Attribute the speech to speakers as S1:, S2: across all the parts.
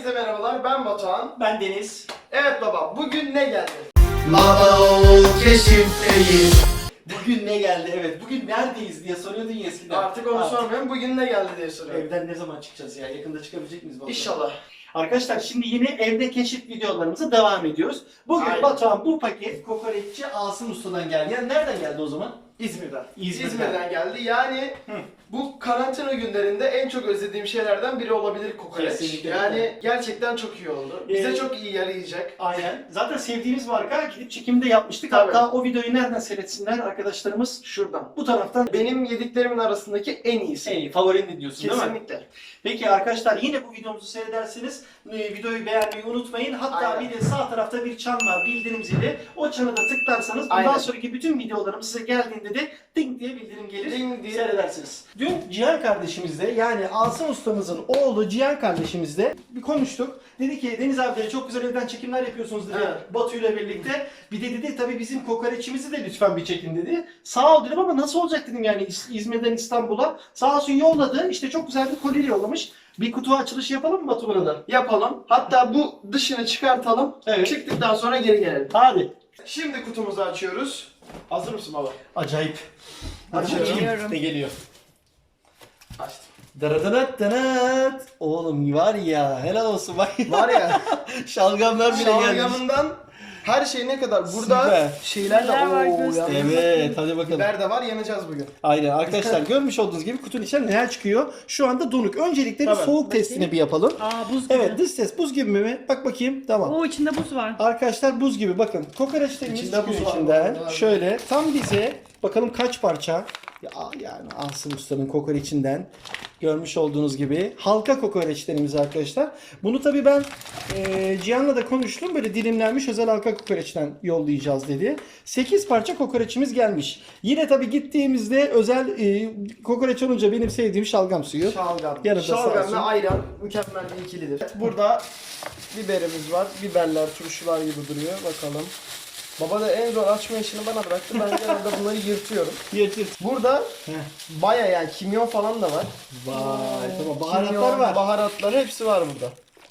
S1: Herkese merhabalar, ben Batuhan.
S2: Ben Deniz.
S1: Evet baba, bugün ne geldi?
S3: Baba oğul keşifteyiz.
S2: Bugün ne geldi? Evet. Bugün neredeyiz diye soruyordun ya eskiden.
S1: Artık onu sormuyorum, bugün ne geldi diye soruyorum.
S2: Evden ne zaman çıkacağız ya? Yakında çıkabilecek miyiz bakalım?
S1: İnşallah.
S2: Arkadaşlar şimdi yine evde keşif videolarımıza devam ediyoruz. Bugün
S1: Aynen.
S2: Batuhan bu paket kokoreççi Asım Usta'dan geldi. Yani nereden geldi o zaman?
S1: İzmir'den.
S2: İzmir'den.
S1: geldi. Yani bu karantina günlerinde en çok özlediğim şeylerden biri olabilir kokoreç.
S2: Kesinlikle.
S1: Yani gerçekten çok iyi oldu. Bize çok iyi yarayacak.
S2: Aynen. Zaten sevdiğimiz marka, gidip çekimde yapmıştık.
S1: Tabii.
S2: Hatta o videoyu nereden seyretsinler arkadaşlarımız?
S1: Şuradan.
S2: Bu taraftan.
S1: Benim yediklerimin arasındaki en iyisi.
S2: Favorin diyorsun değil mi?
S1: Kesinlikle.
S2: Peki arkadaşlar, yine bu videomuzu seyrederseniz videoyu beğenmeyi unutmayın. Hatta
S1: Aynen.
S2: bir de sağ tarafta bir çan var, bildirim zili. O çana da tıklarsanız bundan
S1: Aynen.
S2: sonraki bütün videolarım size geldiğinde de ding diye bildirim gelir.
S1: Ding diye.
S2: Seyredersiniz. Dün Cihan kardeşimizle, yani Asım ustamızın oğlu Cihan kardeşimizle bir konuştuk. Dedi ki Deniz abi dedi, çok güzel evden çekimler yapıyorsunuz dedi,
S1: Evet.
S2: Batu ile birlikte. Bir de dedi tabii bizim kokoreçimizi de lütfen bir çekin dedi. Sağ ol dedim ama nasıl olacak dedim, yani İzmir'den İstanbul'a. Sağ olsun yolladı. İşte çok güzel bir kolye yollamış. Bir kutu açılışı yapalım mı Batu burada?
S1: Yapalım. Hatta bu dışını çıkartalım.
S2: Evet.
S1: Çıktıktan sonra geri gelelim.
S2: Hadi.
S1: Şimdi kutumuzu açıyoruz. Hazır mısın baba?
S2: Acayip.
S1: Açıyorum.
S2: Ne geliyor?
S1: Açtım.
S2: Daradanat danat. Oğlum var ya, helal olsun bak.
S1: Var ya,
S2: Şalgamlar bile gelmiş.
S1: şalgamından her şey ne kadar. Burada
S2: Süper.
S1: şeyler de
S4: Neler var
S1: ooo.
S4: göster.
S2: Evet, hadi bakalım.
S1: Biber de var, yanacağız bugün.
S2: Aynen arkadaşlar, görmüş olduğunuz gibi kutunun içinden neler çıkıyor. Şu anda donuk. Öncelikle bir
S1: Tabii.
S2: soğuk testini bir yapalım.
S4: Aa buz gibi.
S2: Evet, dış ses buz gibi mi? Bak bakayım. Tamam.
S4: Oo içinde buz var.
S2: Arkadaşlar buz gibi, bakın. Kokoreçlerimiz
S1: İçinde
S2: çıkıyor
S1: buz var.
S2: içinden.
S1: Var.
S2: Şöyle tam bize bakalım kaç parça. Ya, yani Asım Usta'nın kokoreçinden görmüş olduğunuz gibi halka kokoreçlerimiz arkadaşlar. Bunu tabii ben Cihan'la da konuştum. Böyle dilimlenmiş özel halka kokoreçten yollayacağız dedi. 8 parça kokoreçimiz gelmiş. Yine tabii gittiğimizde özel kokoreç olunca benim sevdiğim şalgam suyu.
S1: Şalgam.
S2: Yanında sağ
S1: Şalgam
S2: olsun.
S1: ve ayran mükemmel bir ikilidir. Burada biberimiz var. Biberler, turşular gibi duruyor. Bakalım. Baba da en zor açma işini bana bıraktı. Ben genelde bunları yırtıyorum.
S2: Yırtır.
S1: Burada baya yani kimyon falan da var.
S2: Vay tamam, baharatlar
S1: Kimyon,
S2: var.
S1: Baharatlar hepsi var burada.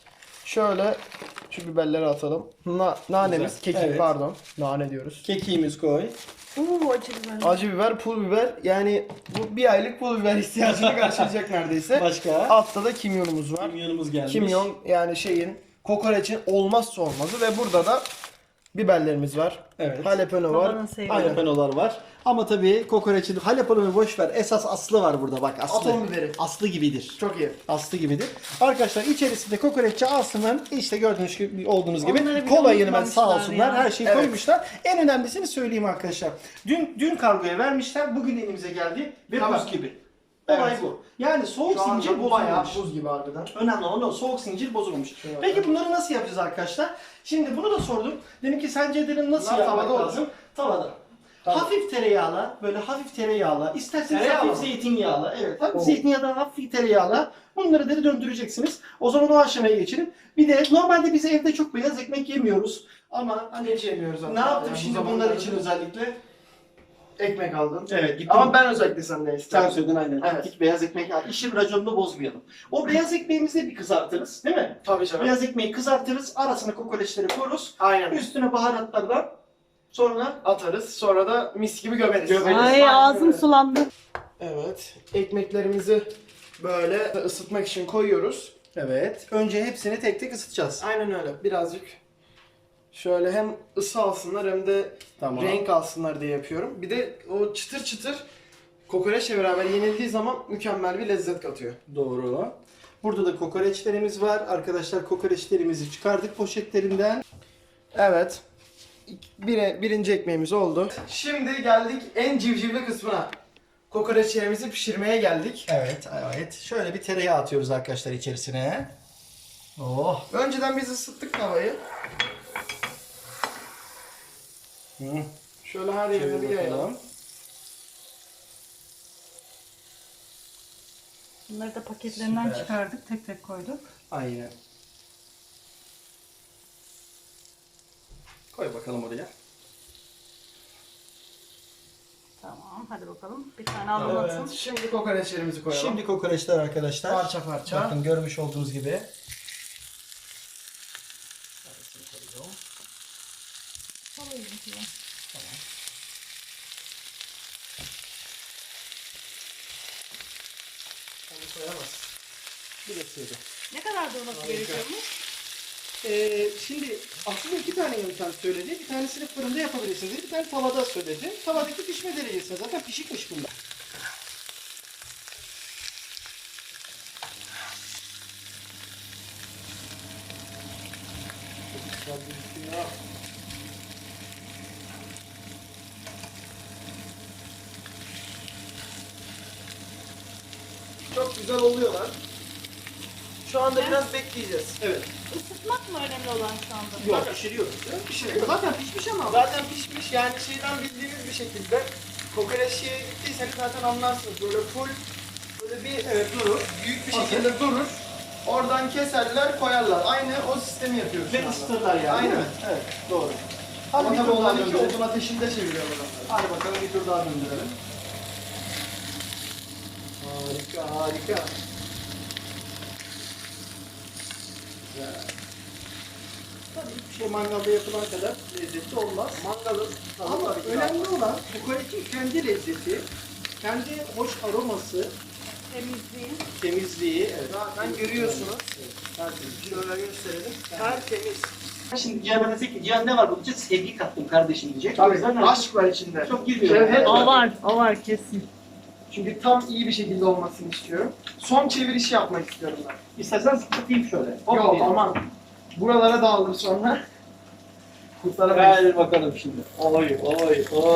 S1: Şöyle şu biberleri atalım. Nanemiz,
S2: Güzel.
S1: kekik
S2: Evet.
S1: pardon. Nane diyoruz.
S2: Kekiğimiz koy.
S4: Oo acı biber.
S1: Acı biber, pul biber. Yani bu bir aylık pul biber ihtiyacını karşılayacak neredeyse.
S2: Başka?
S1: Altta da kimyonumuz var.
S2: Kimyonumuz gelmiş.
S1: Kimyon yani kokoreçin olmazsa olmazı ve burada da biberlerimiz var.
S2: Evet.
S1: Jalapeno var.
S4: Babanın sevdiği.
S1: Aynen.
S2: Jalapenolar var. Ama tabii kokoreçin jalapenoyu boş ver. Esas aslı var burada, bak aslı.
S1: Atom biberi.
S2: Aslı gibidir.
S1: Çok iyi.
S2: Aslı gibidir. Arkadaşlar içerisinde kokoreççi Asım'ın işte gördüğünüz olduğunuz gibi
S4: Onları bile
S2: kolayını ben sağ
S4: unutmamışlar
S2: olsunlar
S4: ya.
S2: her şeyi
S1: Evet.
S2: koymuşlar. En önemlisini söyleyeyim arkadaşlar. Dün kargoya vermişler. Bugün elimize geldi ve
S1: Tamam.
S2: buz gibi. Olay
S1: Evet.
S2: bu. Yani soğuk
S1: Şu
S2: zincir
S1: anda bu bayağı
S2: bozulmamış.
S1: buz gibi harbiden.
S2: Önemli olan o, soğuk zincir bozulmamış.
S1: Şöyle
S2: Peki bunları nasıl yapacağız arkadaşlar? Şimdi bunu da sordum. Dedim ki sence dedim nasıl
S1: Bunlar
S2: yapmak
S1: tavada olur.
S2: lazım? Tavada.
S1: Tamam.
S2: Hafif tereyağla, böyle hafif tereyağla, isterseniz
S1: Tereyağla
S2: hafif
S1: mı?
S2: zeytinyağla, evet hafif
S1: Oo.
S2: zeytinyağla, hafif tereyağla bunları da döndüreceksiniz. O zaman o aşamaya geçelim. Bir de normalde biz evde çok beyaz ekmek yemiyoruz. Ama hani
S1: Hiç yemiyoruz
S2: ne
S1: hatta.
S2: yaptım
S1: Yani bu
S2: şimdi bunlar
S1: zamanlarda
S2: için özellikle?
S1: ekmek aldın.
S2: Evet, gittim.
S1: Ama ben özellikle senden
S2: Sen
S1: istedim.
S2: söyledin aynen.
S1: Evet.
S2: Gittik beyaz ekmek, ya işin raconunu bozmayalım. O beyaz ekmeğimizi de bir kızartırız, değil mi?
S1: Tabii canım.
S2: Beyaz ekmeği kızartırız, arasına kokoreçleri koyarız.
S1: Aynen.
S2: Üstüne baharatlardan sonra
S1: Atarız. Sonra da mis gibi gömeriz.
S2: Gömeriz.
S4: Ay ağzım sulandı.
S1: Evet. Ekmeklerimizi böyle ısıtmak için koyuyoruz.
S2: evet. Önce hepsini tek tek ısıtacağız.
S1: Aynen öyle. Birazcık şöyle hem ısı alsınlar hem de
S2: Tamam.
S1: renk alsınlar diye yapıyorum. Bir de o çıtır çıtır kokoreçle beraber yenildiği zaman mükemmel bir lezzet katıyor.
S2: Doğru. Burada da kokoreçlerimiz var. Arkadaşlar kokoreçlerimizi çıkardık poşetlerinden.
S1: Evet. Birinci ekmeğimiz oldu. Şimdi geldik en civcivli kısmına. Kokoreçlerimizi pişirmeye geldik.
S2: Evet, evet. Şöyle bir tereyağı atıyoruz arkadaşlar içerisine. Oh.
S1: Önceden biz ısıttık tavayı.
S2: Hı.
S1: Şöyle her yerine
S2: Şöyle
S1: bir yayalım.
S2: bakalım.
S4: Bunları da paketlerinden
S2: Süper.
S4: çıkardık. Tek tek koyduk.
S2: Aynen. Koy bakalım oraya.
S4: Tamam hadi bakalım. Bir tane anlatın.
S1: Evet. Şimdi kokoreçlerimizi koyalım.
S2: Şimdi kokoreçler arkadaşlar.
S1: Parça parça.
S2: Bakın görmüş olduğunuz gibi. Tamam. Onu koyamaz. Bir de sığdı.
S4: Ne kadar durması gerekiyormuş?
S2: Şimdi aslında 2 tane yöntem söyledi. Bir tanesini fırında yapabilirsiniz dedi. Bir tane tavada söyledi. Tavadaki pişme derecesi zaten pişikmiş bunlar.
S1: Çok güzel oluyorlar. Şu anda biraz bekleyeceğiz.
S2: Evet.
S4: Isıtmak mı önemli olan şu anda?
S2: Yok, pişiriyoruz.
S1: Pişiriyor.
S2: Zaten pişmiş ama.
S1: Zaten pişmiş yani şeyden bildiğimiz bir şekilde kokoreç şeye gittiyseniz zaten anlarsınız. Böyle full böyle bir
S2: durur.
S1: büyük bir şekilde durur. Oradan keserler koyarlar. Aynı o sistemi yapıyoruz şu
S2: Ve
S1: anda.
S2: ısıtırlar yani.
S1: Aynen.
S2: Değil mi? Evet, doğru.
S1: Ama
S2: Hadi
S1: tabii
S2: bir tur daha
S1: onlar iki
S2: döndürelim.
S1: odun ateşinde çeviriyorlar onları.
S2: Hadi bakalım bir tur daha döndürelim. Harika, harika. Güzel. Tabii hiçbir şey mangalda yapılan kadar lezzetli olmaz.
S1: Mangalın
S2: Ama önemli olan kokoreçin kendi lezzeti, kendi hoş aroması,
S4: Temizliği.
S2: temizliği. Evet.
S1: zaten görüyorsunuz.
S2: Tertemiz.
S1: Şöyle gösterelim. Tertemiz.
S2: Şimdi Cihan'a desek ki Cihan ne var bunun için? Sevgi kattım kardeşim diyecek.
S1: Tabii
S2: O yüzden
S1: aşk var içinde.
S2: çok girmiyorum.
S1: Şevhet var.
S4: O var kesin.
S1: Çünkü tam iyi bir şekilde olmasını istiyorum. Son çeviriş yapmak istiyorum ben.
S2: İstersen sıkıntayım şöyle. Hop
S1: Yok
S2: diyelim.
S1: aman. Buralara dağılır sonra. Kurtaramayız.
S2: Gel bakalım şimdi. Oy oy oy.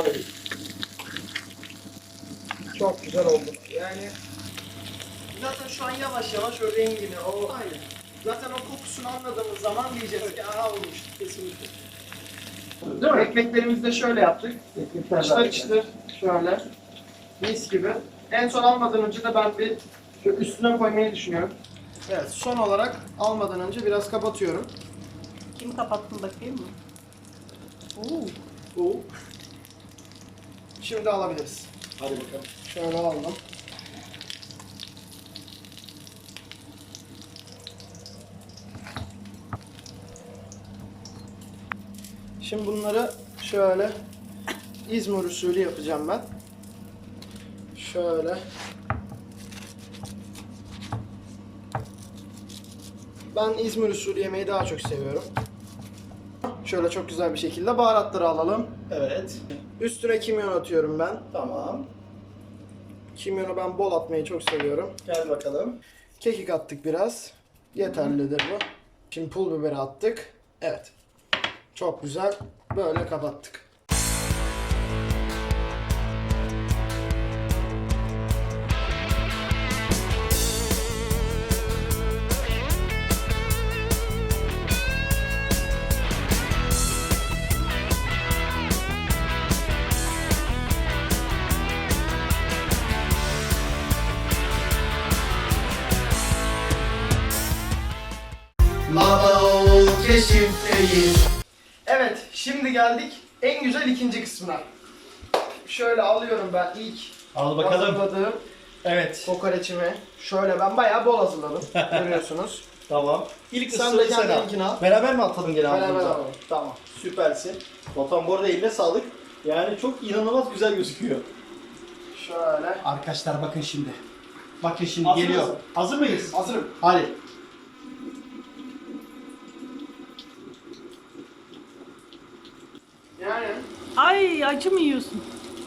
S1: Çok güzel oldu. Yani zaten şu an yavaş yavaş o rengini, o
S2: Aynen.
S1: zaten o kokusunu anladığımız zaman diyeceğiz ki aha olmuş.
S2: Kesinlikle.
S1: Değil mi? Ekmeklerimizi de şöyle yaptık.
S2: Ekmekler
S1: Çıtır
S2: zaten.
S1: çıtır şöyle. Mis gibi. En son almadan önce de ben bir şu üstüne koymayı düşünüyorum. Evet, son olarak almadan önce biraz kapatıyorum.
S4: Kim kapattın bakayım mı?
S1: Bu. Şimdi alabiliriz.
S2: Hadi bakalım.
S1: Şöyle aldım. Şimdi bunları şöyle İzmir usulü yapacağım ben. Şöyle. Ben İzmir usulü yemeği daha çok seviyorum. Şöyle çok güzel bir şekilde baharatları alalım.
S2: Evet.
S1: Üstüne kimyon atıyorum ben.
S2: Tamam.
S1: Kimyonu ben bol atmayı çok seviyorum.
S2: Gel bakalım.
S1: Kekik attık biraz. Yeterlidir bu. Şimdi pul biberi attık. Evet. Çok güzel. Böyle kapattık.
S3: Baba oğul keşifteyiz.
S1: Evet. Şimdi geldik en güzel ikinci kısmına. Şöyle alıyorum ben ilk
S2: Al
S1: hazırladığım
S2: Evet.
S1: kokoreçimi. Şöyle ben bayağı bol hazırladım. Görüyorsunuz.
S2: Tamam. İlk
S1: Sen
S2: ısırığı
S1: de
S2: sen al.
S1: kendininkini al.
S2: Beraber mi atalım gene
S1: Beraber
S2: ağzımıza?
S1: alalım. Tamam.
S2: Süpersin. Batuhan bu arada eline sağlık. Yani çok inanılmaz güzel gözüküyor.
S1: Şöyle.
S2: Arkadaşlar bakın şimdi. Bakın şimdi
S1: Hazır
S2: geliyor.
S1: mısın?
S2: Hazır mıyız?
S1: Hazırım.
S2: Hadi.
S1: Yani
S4: Ay acı mı yiyorsun?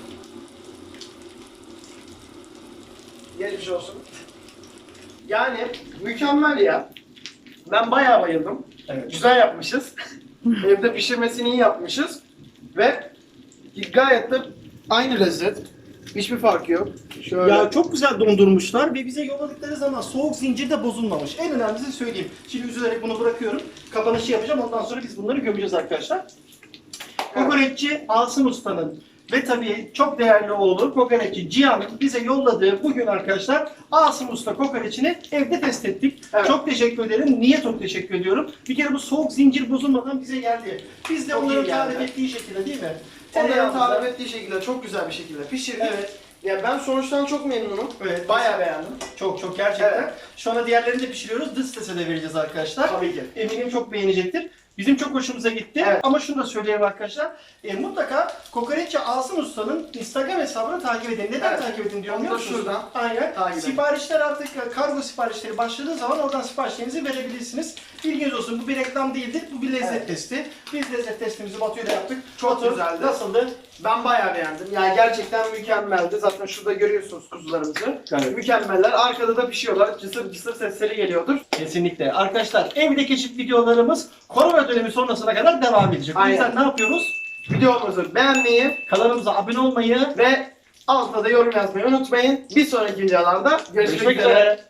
S1: geçmiş olsun. Yani mükemmel ya. Ben bayağı bayıldım.
S2: Evet.
S1: Güzel yapmışız. Evde pişirmesini iyi yapmışız. Ve gayet de aynı lezzet. Hiçbir farkı yok. Şöyle.
S2: Ya çok güzel dondurmuşlar ve bize yolladıkları zaman soğuk zincir de bozulmamış. En önemlisi söyleyeyim. Şimdi üzülerek bunu bırakıyorum. Kapanışı yapacağım. Ondan sonra biz bunları gömeceğiz arkadaşlar. Kokoreççi Asım Usta'nın ve tabii çok değerli oğlu kokoreççi Cihan'ın bize yolladığı bugün arkadaşlar Asım Usta kokoreçini evde test ettik.
S1: Evet.
S2: Çok teşekkür ederim. Niye çok teşekkür ediyorum? Bir kere bu soğuk zincir bozulmadan bize geldi. Biz de
S1: Çok
S2: onların
S1: iyi geldi.
S2: tarif ettiği şekilde değil mi?
S1: Onların
S2: Tereyağımıza-
S1: tarif ettiği şekilde çok güzel bir şekilde pişirdik.
S2: Evet.
S1: Ya ben sonuçtan çok memnunum.
S2: Evet.
S1: Bayağı beğendim.
S2: Çok gerçekten.
S1: Evet.
S2: Şu anda diğerlerini de pişiriyoruz. Dış sese de vereceğiz arkadaşlar.
S1: Tabii ki.
S2: Eminim çok beğenecektir. Bizim çok hoşumuza gitti.
S1: Evet.
S2: Ama şunu da söyleyeyim arkadaşlar. Mutlaka Kokoreççi Asım Usta'nın Instagram hesabını takip edin. Neden
S1: Evet.
S2: takip edin diyor
S1: Onu da
S2: biliyor musunuz?
S1: şuradan
S2: Aynen.
S1: takip edin.
S2: Siparişler artık kargo siparişleri başladığı zaman oradan siparişlerinizi verebilirsiniz. Bilginiz olsun, bu bir reklam değildir. Bu bir lezzet
S1: Evet.
S2: testi. Biz lezzet testimizi Batu'yla yaptık.
S1: Çok
S2: Batu,
S1: güzeldi.
S2: Nasıldı?
S1: Ben bayağı beğendim. Yani gerçekten mükemmeldi. Zaten şurada görüyorsunuz kuzularımızı.
S2: Evet.
S1: Mükemmeller. Arkada da pişiyorlar. Cısır cısır sesleri geliyordur.
S2: Kesinlikle. Arkadaşlar evde keşif videolarımız korona dönemi sonrasına kadar devam edecek. O
S1: Aynen.
S2: yüzden ne yapıyoruz?
S1: Videomuzu beğenmeyi
S2: Kanalımıza abone olmayı
S1: ve altına da yorum yazmayı unutmayın. Bir sonraki videolarda görüşmek üzere.